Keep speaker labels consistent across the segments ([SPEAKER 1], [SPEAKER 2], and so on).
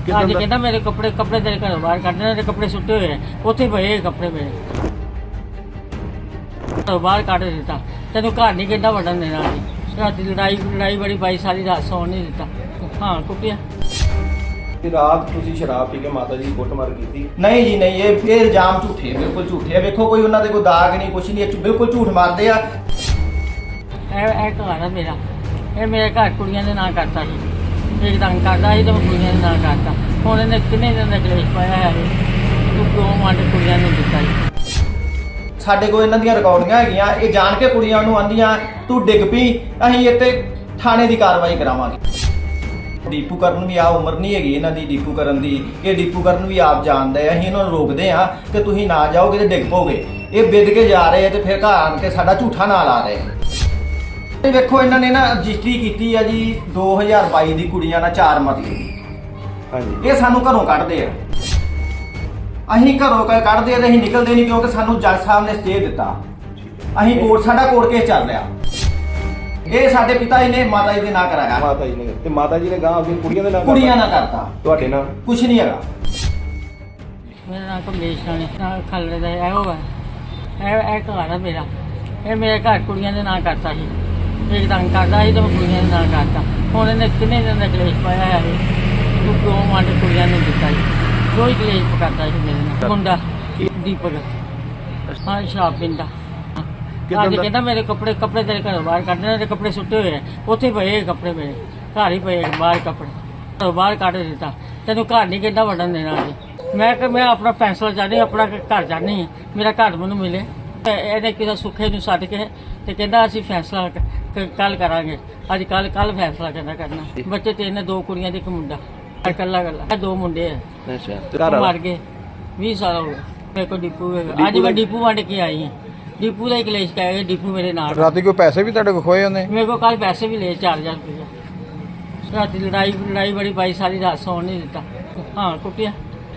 [SPEAKER 1] ਅੱਜ ਕਹਿੰਦਾ ਮੇਰੇ ਕੱਪੜੇ ਤੇਰੇ ਘਰੋਂ ਬਾਹਰ ਕੱਢ ਦੇ, ਕਪੜੇ ਸੁੱਟੇ ਹੋਏ ਉੱਥੇ ਪਏ ਕੱਪੜੇ ਮੇਰੇ ਘਰੋਂ ਬਾਹਰ ਕੱਢ ਦਿੱਤਾ। ਤੈਨੂੰ ਘਰ ਨਹੀਂ ਕਹਿੰਦਾ ਵੜਨ ਦੇਣਾ ਸੀ। ਰਾਤੀ ਲੜਾਈ ਬੜੀ ਪਾਈ, ਸਾਰੀ ਰਾਤ ਸੌਣ ਨਹੀਂ ਦਿੱਤਾ। ਹਾਂ ਕੁੱਟਿਆ।
[SPEAKER 2] ਤੇ ਰਾਤ ਤੁਸੀਂ ਸ਼ਰਾਬ ਪੀ ਕੇ ਮਾਤਾ ਜੀ ਦੀ ਕੁੱਟਮਾਰ ਕੀਤੀ?
[SPEAKER 3] ਨਹੀਂ ਜੀ ਨਹੀਂ, ਇਹ ਇਲਜ਼ਾਮ ਝੂਠੇ, ਬਿਲਕੁਲ ਝੂਠੇ ਆ। ਵੇਖੋ ਕੋਈ ਉਹਨਾਂ ਦੇ ਕੋਈ ਦਾਗ ਨਹੀਂ, ਕੁਛ ਨਹੀਂ, ਬਿਲਕੁਲ ਝੂਠ ਮਾਰਦੇ ਆ।
[SPEAKER 1] ਇਹ ਘਰ ਆ ਮੇਰਾ, ਇਹ ਮੇਰੇ ਘਰ ਕੁੜੀਆਂ ਦੇ ਨਾਂ ਕਰਤਾ ਸੀ। ਇੱਕ ਤੰਗ ਕਰਦਾ ਸੀ ਤੇ ਮੈਂ ਕੁੜੀਆਂ ਦੇ ਨਾਂ ਕਰਤਾ। ਹੁਣ ਇਹਨੇ ਕਿੰਨੇ ਦਿਨ ਦਾ ਕਲੇਸ਼ ਪਾਇਆ ਹੈ। ਤੂੰ ਕਿਉਂ ਮੰਡ ਕੁੜੀਆਂ ਨੂੰ ਦਿੱਤਾ ਜੀ?
[SPEAKER 3] ਸਾਡੇ ਕੋਲ ਇਹਨਾਂ ਦੀਆਂ ਰਿਕਾਰਡਿੰਗਾਂ ਹੈਗੀਆਂ। ਇਹ ਜਾਣ ਕੇ ਕੁੜੀਆਂ ਨੂੰ ਆਂਦੀਆਂ ਤੂੰ ਡਿੱਗ ਪਈ, ਅਸੀਂ ਇੱਥੇ ਥਾਣੇ ਦੀ ਕਾਰਵਾਈ ਕਰਾਵਾਂਗੇ। ਡੀਪੂ ਕਰਨ ਵੀ ਆ ਉਮਰ ਨਹੀਂ ਹੈਗੀ ਇਹਨਾਂ ਦੀ ਡੀਪੂ ਕਰਨ ਦੀ। ਇਹ ਡੀਪੂ ਕਰਨ ਵੀ ਆਪ ਜਾਣਦੇ ਆ। ਅਸੀਂ ਇਹਨਾਂ ਨੂੰ ਰੋਕਦੇ ਆ ਕਿ ਤੁਸੀਂ ਨਾ ਜਾਓਗੇ ਤੇ ਡਿੱਗ ਪਓਗੇ। ਇਹ ਵਿਦ ਕੇ ਜਾ ਰਹੇ ਆ ਤੇ ਫਿਰ ਘਰ ਆਣ ਕੇ ਸਾਡਾ ਝੂਠਾ ਨਾਂ ਲਾ ਰਹੇ ਆ। ਇਹ ਵੇਖੋ ਇਹਨਾਂ ਨੇ ਨਾ ਰਜਿਸਟਰੀ ਕੀਤੀ ਆ ਜੀ 2022 ਦੀ ਕੁੜੀਆਂ ਨਾਲ 4 ਮਰਲੇ ਦੀ।
[SPEAKER 2] ਹਾਂਜੀ।
[SPEAKER 3] ਇਹ ਸਾਨੂੰ ਘਰੋਂ ਕੱਢਦੇ ਆ। ਅਸੀਂ ਘਰੋਂ ਕੱਢਦੇ ਆ ਤੇ ਅਸੀਂ ਨਿਕਲਦੇ ਨਹੀਂ, ਕਿਉਂਕਿ ਸਾਨੂੰ ਜੱਜ ਸਾਹਿਬ ਨੇ ਸਟੇ ਦਿੱਤਾ। ਅਸੀਂ ਸਾਡਾ ਕੋਰਟ ਕੇਸ ਚੱਲ ਰਿਹਾ। ਇਹ ਸਾਡੇ ਪਿਤਾ ਜੀ ਨੇ ਮਾਤਾ ਜੀ ਦੇ ਨਾਂ ਕਰਾਇਆ।
[SPEAKER 2] ਮਾਤਾ ਜੀ ਨੇ, ਤੇ ਮਾਤਾ ਜੀ ਨੇ ਗਾਂ ਆਪਣੀ ਕੁੜੀਆਂ ਦੇ ਨਾਲ
[SPEAKER 3] ਕੁੜੀਆਂ ਨਾਲ ਕਰਤਾ।
[SPEAKER 2] ਤੁਹਾਡੇ ਨਾਲ
[SPEAKER 3] ਕੁਛ ਨਹੀਂ ਹੈਗਾ।
[SPEAKER 1] ਮੇਰਾ ਨਾਮ ਕਮਲੇਸ਼ ਰਾਣੀ ਖਲੜੇ ਦਾ ਇਹੋ ਵਾ। ਇਹ ਘਰ ਆ ਮੇਰਾ, ਇਹ ਮੇਰੇ ਘਰ ਕੁੜੀਆਂ ਦੇ ਨਾਂ ਕਰਤਾ ਸੀ। ਇੱਕ ਤੰਗ ਕਰਦਾ ਸੀ ਤੇ ਮੈਂ ਕੁੜੀਆਂ ਦੇ ਨਾਂ ਕਰਤਾ। ਹੁਣ ਇਹਨੇ ਕਿੰਨੇ ਦਿਨ ਦਾ ਕਲੇਸ਼ ਪਾਇਆ ਹੈ। ਤੂੰ ਕਿਉਂ ਮੰਡ ਕੁੜੀਆਂ ਨੂੰ ਦਿੱਤਾ ਜੀ? ਕੋਈ ਕਲੇਸ਼ ਕਰਦਾ ਸੀ ਮੇਰੇ ਨਾਲ ਮੁੰਡਾ ਦੀਪਕ। ਹਾਂ ਸ਼ਰਾਬ ਪੀਂਦਾ। ਅੱਜ ਕਹਿੰਦਾ ਮੇਰੇ ਕੱਪੜੇ ਤੇਰੇ ਘਰੋਂ ਬਾਹਰ ਕੱਢ ਦੇ, ਕੱਪੜੇ ਸੁੱਟੇ ਹੋਏ ਉੱਥੇ ਪਏ ਕੱਪੜੇ ਮੇਰੇ ਘਰ ਹੀ ਪਏ ਬਾਹਰ ਕੱਪੜੇ ਘਰੋਂ ਬਾਹਰ ਕੱਢ ਦਿੱਤਾ। ਤੈਨੂੰ ਘਰ ਨਹੀਂ ਕਹਿੰਦਾ ਵੜਨ ਦੇਣਾ ਸੀ। ਮੈਂ ਆਪਣਾ ਫੈਸਲਾ ਚਾਹਦੀ, ਆਪਣਾ ਘਰ ਚਾਹਨੀ, ਮੇਰਾ ਘਰ ਮੈਨੂੰ ਮਿਲੇ। ਇਹਨੇ ਕਿਸੇ ਸੁੱਖੇ ਨੂੰ ਸੱਦ ਕੇ ਤੇ ਕਹਿੰਦਾ ਅਸੀਂ ਫੈਸਲਾ ਕੱਲ ਕਰਾਂਗੇ। ਅੱਜ ਕੱਲ ਫੈਸਲਾ ਕਰਨਾ। ਬੱਚੇ ਤੇ ਇਹਨੇ 2 ਕੁੜੀਆਂ ਤੇ 1 ਮੁੰਡਾ। ਇਕੱਲਾ 2 ਮੁੰਡੇ ਆ।
[SPEAKER 2] ਅੱਛਾ।
[SPEAKER 1] ਮਰ ਗਏ 20 ਸਾਲ ਹੋ ਗਏ। ਮੇਰੇ ਕੋਲ ਡਿਪੂ ਹੈਗਾ। ਅੱਜ ਮੈਂ ਡਿਪੂ ਵੰਡ ਕੇ ਆਈ ਹਾਂ। ਡਿਪੂ ਦਾ ਹੀ ਕਲੇਸ਼ ਕਹਿ ਗਏ। ਡਿਪੂ ਮੇਰੇ ਨਾਲ
[SPEAKER 4] ਰਾਤੀ ਕੋਈ ਪੈਸੇ ਵੀ ਤੁਹਾਡੇ ਕੋਲ ਖੋਏ ਉਹਨੇ?
[SPEAKER 1] ਮੇਰੇ ਕੋਲ ਕੱਲ ਪੈਸੇ ਵੀ ਲਏ 4000 ਰੁਪਏ। ਰਾਤੀ ਲੜਾਈ ਬੜੀ ਪਾਈ, ਸਾਰੀ ਰਾਤ ਸੌਣ ਨਹੀਂ ਦਿੱਤਾ। ਹਾਂ ਕੁੱਟਿਆ।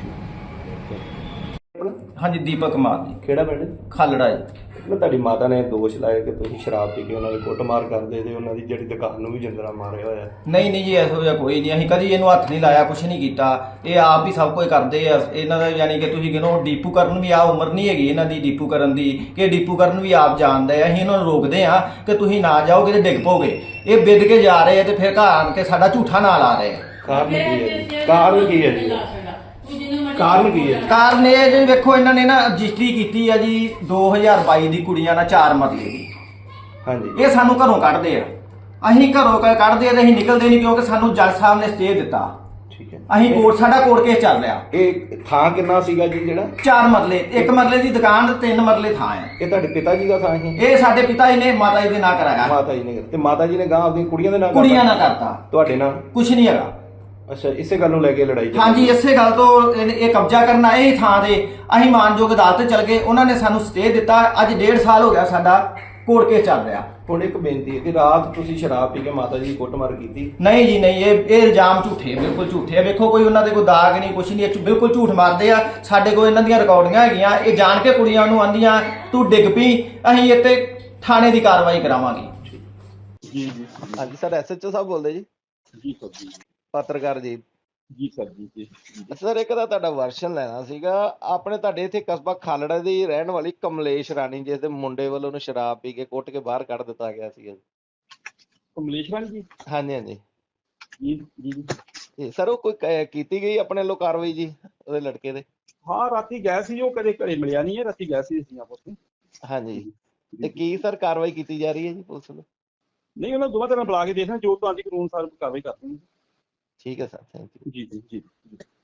[SPEAKER 3] ਹਾਂਜੀ ਦੀਪਕ ਕੁਮਾਰ ਜੀ,
[SPEAKER 2] ਕਿਹੜਾ ਪਿੰਡ?
[SPEAKER 3] ਖਾਲੜਾ ਜੀ।
[SPEAKER 2] ਮੈਂ ਤੁਹਾਡੀ ਮਾਤਾ ਨੇ ਦੋਸ਼ ਲਾਇਆ ਕਿ ਤੁਸੀਂ ਸ਼ਰਾਬ ਪੀ ਕੇ ਉਹਨਾਂ ਦੀ ਕੁੱਟਮਾਰ ਕਰਦੇ ਤੇ ਉਹਨਾਂ ਦੀ ਜਿਹੜੀ ਦੁਕਾਨ ਨੂੰ ਵੀ ਜਿੰਦਰਾ ਮਾਰਿਆ ਹੋਇਆ।
[SPEAKER 3] ਨਹੀਂ ਜੀ, ਇਹੋ ਜਿਹਾ ਕੋਈ ਨਹੀਂ। ਅਸੀਂ ਕਦੀ ਇਹਨੂੰ ਹੱਥ ਨਹੀਂ ਲਾਇਆ, ਕੁਛ ਨਹੀਂ ਕੀਤਾ। ਇਹ ਆਪ ਹੀ ਸਭ ਕੁਝ ਕਰਦੇ ਆ। ਇਹਨਾਂ ਦਾ ਯਾਨੀ ਕਿ ਤੁਸੀਂ ਕਹਿੰਦੇ ਡੀਪੂ ਕਰਨ ਵੀ ਆ ਉਮਰ ਨਹੀਂ ਹੈਗੀ ਇਹਨਾਂ ਦੀ ਡੀਪੂ ਕਰਨ ਦੀ। ਕਿ ਡੀਪੂ ਕਰਨ ਵੀ ਆਪ ਜਾਣਦੇ ਆ। ਅਸੀਂ ਇਹਨਾਂ ਨੂੰ ਰੋਕਦੇ ਆ ਕਿ ਤੁਸੀਂ ਨਾ ਜਾਓਗੇ ਤੇ ਡਿੱਗ ਪਓਗੇ। ਇਹ ਵਿਦ ਕੇ ਜਾ ਰਹੇ ਆ ਤੇ ਫਿਰ ਘਰ ਆਣ ਕੇ ਸਾਡਾ ਝੂਠਾ ਨਾਂ ਲਾ ਰਹੇ ਆ।
[SPEAKER 2] ਕਾਰਨ ਕੀ ਹੈ ਜੀ? ਕਾਰਨ ਕੀ ਹੈ ਜੀ? ਕਾਰਨ ਕੀ ਹੈ?
[SPEAKER 3] ਕਾਰਨ ਇਹ ਜੀ ਵੇਖੋ ਇਹਨਾਂ ਨੇ ਨਾ ਰਜਿਸਟਰੀ ਕੀਤੀ ਆ ਜੀ 2022 ਦੀ ਕੁੜੀਆਂ ਨਾਲ 4 ਮਰਲੇ ਦੀ।
[SPEAKER 2] ਹਾਂਜੀ।
[SPEAKER 3] ਇਹ ਸਾਨੂੰ ਘਰੋਂ ਕੱਢਦੇ ਆ। ਅਸੀਂ ਘਰੋਂ ਕੱਢਦੇ ਆ ਤੇ ਅਸੀਂ ਨਿਕਲਦੇ ਨਹੀਂ, ਕਿਉਂਕਿ ਸਾਨੂੰ ਜੱਜ ਸਾਹਿਬ ਨੇ ਸਟੇ ਦਿੱਤਾ।
[SPEAKER 2] ਠੀਕ ਹੈ।
[SPEAKER 3] ਅਸੀਂ ਸਾਡਾ ਕੋਰਟ ਕੇਸ ਚੱਲ ਰਿਹਾ।
[SPEAKER 2] ਇਹ ਥਾਂ ਕਿੰਨਾ ਸੀਗਾ ਜੀ ਜਿਹੜਾ?
[SPEAKER 3] 4 ਮਰਲੇ, 1 ਮਰਲੇ ਦੀ ਦੁਕਾਨ ਤੇ 3 ਮਰਲੇ ਥਾਂ ਹੈ।
[SPEAKER 2] ਇਹ ਤੁਹਾਡੇ ਪਿਤਾ ਜੀ ਦਾ ਥਾਂ ਹੈ?
[SPEAKER 3] ਇਹ ਸਾਡੇ ਪਿਤਾ ਜੀ ਨੇ ਮਾਤਾ ਜੀ ਦੇ ਨਾਂ ਕਰਾਇਆ।
[SPEAKER 2] ਮਾਤਾ ਜੀ ਨੇ, ਤੇ ਮਾਤਾ ਜੀ ਨੇ ਗਾਂ ਆਪਣੀ ਕੁੜੀਆਂ ਦੇ ਨਾਲ
[SPEAKER 3] ਕੁੜੀਆਂ ਨਾਲ ਕਰਤਾ।
[SPEAKER 2] ਤੁਹਾਡੇ ਨਾਲ
[SPEAKER 3] ਕੁਛ ਨਹੀਂ ਹੈਗਾ।
[SPEAKER 2] ਅੱਛਾ, ਇਸੇ ਗੱਲ ਨੂੰ ਲੈ ਕੇ ਲੜਾਈ ਚੱਲੀ?
[SPEAKER 3] ਹਾਂਜੀ, ਇਸੇ ਗੱਲ ਤੋਂ ਇਹ ਕਬਜ਼ਾ ਕਰਨਾ ਇਹ ਥਾਂ ਦੇ। ਅਸੀਂ ਮਾਨਯੋਗ ਅਦਾਲਤ ਚਲ ਗਏ, ਉਹਨਾਂ ਨੇ ਸਾਨੂੰ ਸਟੇ ਦਿੱਤਾ। ਅੱਜ 1.5 ਸਾਲ ਹੋ ਗਿਆ ਸਾਡਾ ਕੋਰਟ ਕੇਸ ਚੱਲ ਰਿਹਾ।
[SPEAKER 2] ਹੁਣ ਇੱਕ ਬੇਨਤੀ ਹੈ ਕਿ ਰਾਤ ਤੁਸੀਂ ਸ਼ਰਾਬ ਪੀ ਕੇ ਮਾਤਾ ਜੀ ਦੀ ਕੁੱਟਮਾਰ ਕੀਤੀ?
[SPEAKER 3] ਨਹੀਂ ਜੀ ਨਹੀਂ, ਇਹ ਇਲਜ਼ਾਮ ਝੂਠੇ, ਬਿਲਕੁਲ ਝੂਠੇ ਆ। ਵੇਖੋ ਕੋਈ ਉਹਨਾਂ ਦੇ ਕੋਈ ਦਾਗ ਨਹੀਂ, ਕੁਛ ਨਹੀਂ, ਬਿਲਕੁਲ ਝੂਠ ਮਾਰਦੇ ਆ। ਸਾਡੇ ਕੋਲ ਇਹਨਾਂ ਦੀਆਂ ਰਿਕਾਰਡਿੰਗਾਂ ਹੈਗੀਆਂ। ਇਹ ਜਾਣ ਕੇ ਕੁੜੀਆਂ ਨੂੰ ਆਂਦੀਆਂ ਤੂੰ ਡਿੱਗ ਪਈ, ਅਸੀਂ ਇੱਥੇ ਥਾਣੇ ਦੀ ਕਾਰਵਾਈ ਕਰਾਵਾਂਗੇ।
[SPEAKER 2] ਜੀ। ਹਾਂਜੀ ਸਰ, ਐਸਐਚਓ ਸਾਹਿਬ ਬੋਲਦੇ ਜੀ?
[SPEAKER 5] ਜੀ ਸਰ ਜੀ।
[SPEAKER 2] ਪੱਤਰਕਾਰ ਜੀ?
[SPEAKER 5] ਜੀ ਸਰ ਜੀ।
[SPEAKER 2] ਸਰ ਇੱਕ ਤਾਂ ਤੁਹਾਡਾ ਵਰਸ਼ਨ ਲੈਣਾ ਸੀਗਾ। ਆਪਣੇ ਤੁਹਾਡੇ ਇੱਥੇ ਕਸਬਾ ਖਾਲੜਾ ਦੀ ਰਹਿਣ ਵਾਲੀ ਕਮਲੇਸ਼ ਰਾਣੀ, ਜਿਸ ਦੇ ਮੁੰਡੇ ਵੱਲੋਂ ਉਹਨੂੰ ਸ਼ਰਾਬ ਪੀ ਕੇ ਕੁੱਟ ਕੇ ਬਾਹਰ ਕੱਢ ਦਿੱਤਾ ਗਿਆ ਸੀ।
[SPEAKER 5] ਕਮਲੇਸ਼ ਰਾਣੀ ਜੀ?
[SPEAKER 2] ਹਾਂਜੀ ਹਾਂਜੀ
[SPEAKER 5] ਜੀ ਜੀ।
[SPEAKER 2] ਜੀ ਸਰ, ਉਹ ਕੋਈ ਕੀਤੀ ਗਈ ਆਪਣੇ ਵੱਲੋਂ ਕਾਰਵਾਈ ਜੀ ਉਹਦੇ ਲੜਕੇ ਦੇ?
[SPEAKER 5] ਹਾਂ ਰਾਤੀ ਗਏ ਸੀ, ਉਹ ਕਦੇ ਘਰੇ ਮਿਲਿਆ ਨਹੀਂ ਹੈ। ਰਾਤੀ ਗਏ ਸੀ ਅਸੀਂ ਆਪਸ ਵਿੱਚ।
[SPEAKER 2] ਹਾਂਜੀ, ਤੇ ਕੀ ਸਰ ਕਾਰਵਾਈ ਕੀਤੀ ਜਾ ਰਹੀ ਹੈ ਜੀ ਪੁਲਿਸ ਵੱਲੋਂ?
[SPEAKER 5] ਨਹੀਂ, ਉਹਨਾਂ ਦੋਵਾਂ ਤਰ੍ਹਾਂ ਬੁਲਾ ਕੇ ਦੇਖਣਾ, ਜੋ ਤੁਹਾਡੀ ਕਾਨੂੰਨ ਅਨੁਸਾਰ ਕਾਰਵਾਈ ਕਰਦੇ ਹਾਂ।
[SPEAKER 2] ਠੀਕ ਹੈ ਸਰ, ਥੈਂਕ ਯੂ।
[SPEAKER 5] ਜੀ।